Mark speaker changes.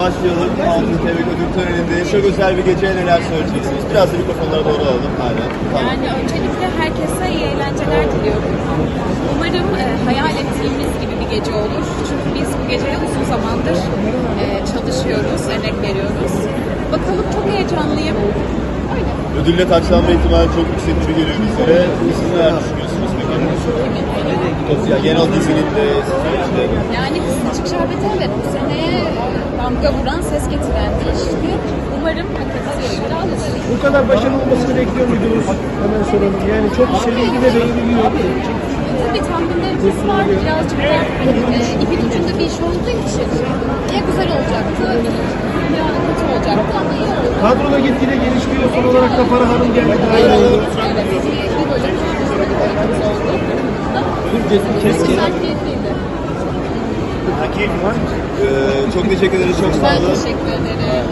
Speaker 1: başlayalım. Altın Kelebek Ödül Töreni'nde çok özel bir geceye neler söyleyeceksiniz? Biraz da mikrofonlara doğru alalım. Aynen. Tamam.
Speaker 2: Yani öncelikle herkese iyi eğlenceler diliyorum. Umarım hayal ettiğimiz gibi bir gece olur. Çünkü biz bu geceye uzun zamandır çalışıyoruz, emek veriyoruz. Bakalım, çok heyecanlıyım. Öyle.
Speaker 1: Ödülle taçlanma ihtimali çok yüksek gibi geliyor bizlere. Siz neler düşünüyorsunuz peki? Ya, genel dizinin de işte.
Speaker 2: Yani Kısacık Şerbeti, evet, bu seneye damga vuran, ses getiren bir işti. Umarım hak ettiği ödülü alır.
Speaker 3: Bu kadar başarılı olmasını bekliyor muydunuz? Hemen soralım. Yani çok sevildi de beğeniliyor.
Speaker 2: Tabii tahminlerimiz vardı. Birazcık da ipin ucunda bir iş olduğu için ya güzel olacaktı ya kötü olacaktı ama iyi oldu.
Speaker 3: Kadroda gitgide gelişmiyor. Son olarak da Farah Hanım geldi.
Speaker 2: Evet, bir bölüm oldu. Güzel, keyifliydi.
Speaker 1: Çok teşekkür ederiz. Çok sağ
Speaker 2: Ben
Speaker 1: olun.
Speaker 2: teşekkür ederim.